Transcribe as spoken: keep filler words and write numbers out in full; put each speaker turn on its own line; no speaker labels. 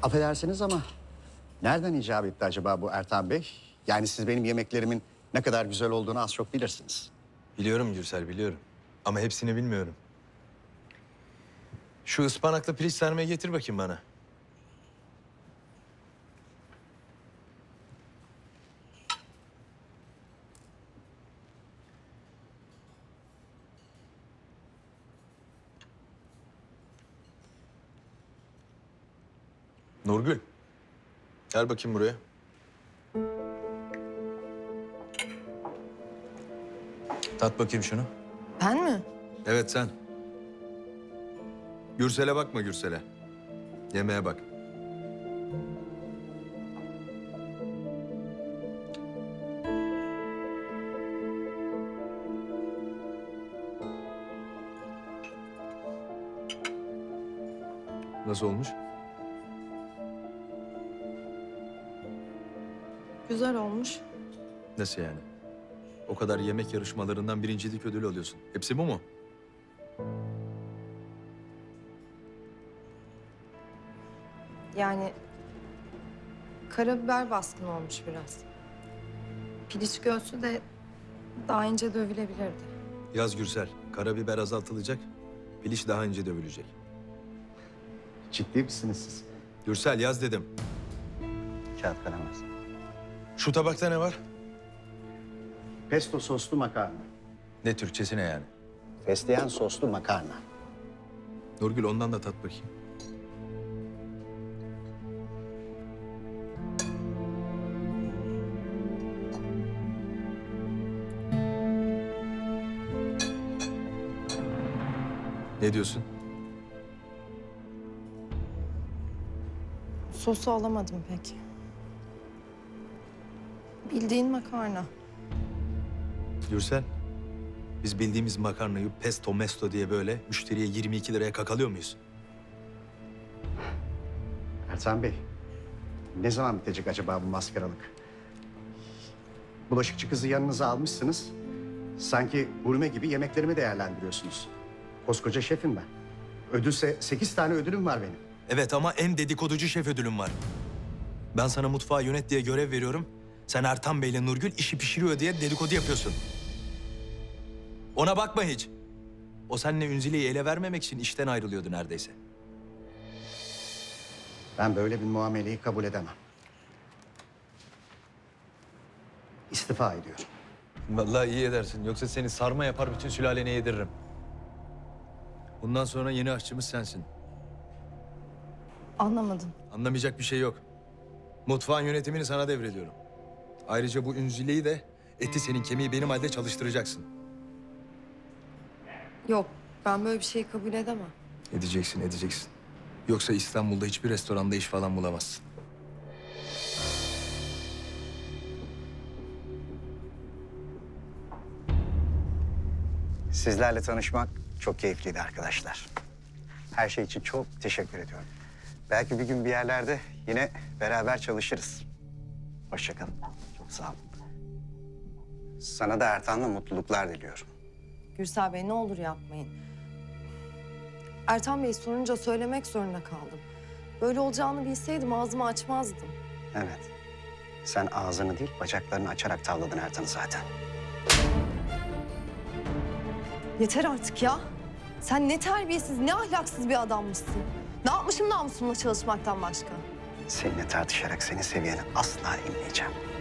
Affedersiniz ama nereden icap etti acaba bu Ertan Bey? Yani siz benim yemeklerimin ne kadar güzel olduğunu az çok bilirsiniz.
Biliyorum Gürsel, biliyorum. Ama hepsini bilmiyorum. Şu ıspanaklı pirinç sarmayı getir bakayım bana. Nurgül. Gel bakayım buraya. Tat bakayım şunu.
Ben mi?
Evet sen. Gürsel'e bakma Gürsel'e. Yemeğe bak. Nasıl olmuş?
Güzel olmuş.
Nasıl yani? O kadar yemek yarışmalarından birincilik ödülü alıyorsun. Hepsi bu mu?
Yani karabiber baskın olmuş biraz. Piliç göğsü de daha ince dövülebilirdi.
Yaz Gürsel. Karabiber azaltılacak. Piliç daha ince dövülecek.
Ciddi misiniz siz?
Gürsel yaz dedim.
Kağıt kalemez.
Şu tabakta ne var?
Pesto soslu makarna.
Ne Türkçesi ne yani?
Fesleğen soslu makarna.
Nurgül ondan da tat bakayım. Ne diyorsun?
Sosu alamadım pek. Bildiğin makarna.
Gürsel, biz bildiğimiz makarnayı pesto mesto diye böyle müşteriye yirmi iki liraya kakalıyor muyuz?
Ertan Bey, ne zaman bitecek acaba bu maskaralık? Bulaşıkçı kızı yanınıza almışsınız. Sanki gurme gibi yemeklerimi değerlendiriyorsunuz. Koskoca şefim ben. Ödülse sekiz tane ödülüm var benim.
Evet ama en dedikoducu şef ödülüm var. Ben sana mutfağı yönet diye görev veriyorum. Sen Ertan Bey'le Nurgül işi pişiriyor diye dedikodu yapıyorsun. Ona bakma hiç. O seninle Ünzile'yi ele vermemek için işten ayrılıyordu neredeyse.
Ben böyle bir muameleyi kabul edemem. İstifa ediyorum.
Vallahi iyi edersin. Yoksa seni sarma yapar bütün sülalene yediririm. Bundan sonra yeni aşçımız sensin.
Anlamadım.
Anlamayacak bir şey yok. Mutfağın yönetimini sana devrediyorum. Ayrıca bu Ünzile'yi de eti senin kemiği benim halde çalıştıracaksın.
Yok, ben böyle bir şeyi kabul edemem.
Edeceksin, edeceksin. Yoksa İstanbul'da hiçbir restoranda iş falan bulamazsın.
Sizlerle tanışmak çok keyifliydi arkadaşlar. Her şey için çok teşekkür ediyorum. Belki bir gün bir yerlerde yine beraber çalışırız. Hoşça kalın. Çok sağ olun. Sana da Ertan'la mutluluklar diliyorum.
Gürsel Bey ne olur yapmayın. Ertan Bey sorunca söylemek zorunda kaldım. Böyle olacağını bilseydim ağzımı açmazdım.
Evet. Sen ağzını değil bacaklarını açarak tavladın Ertan'ı zaten.
Yeter artık ya. Sen ne terbiyesiz, ne ahlaksız bir adammışsın. Ne yapmışım namusumla çalışmaktan başka?
Seninle tartışarak senin seviyeni asla inmeyeceğim.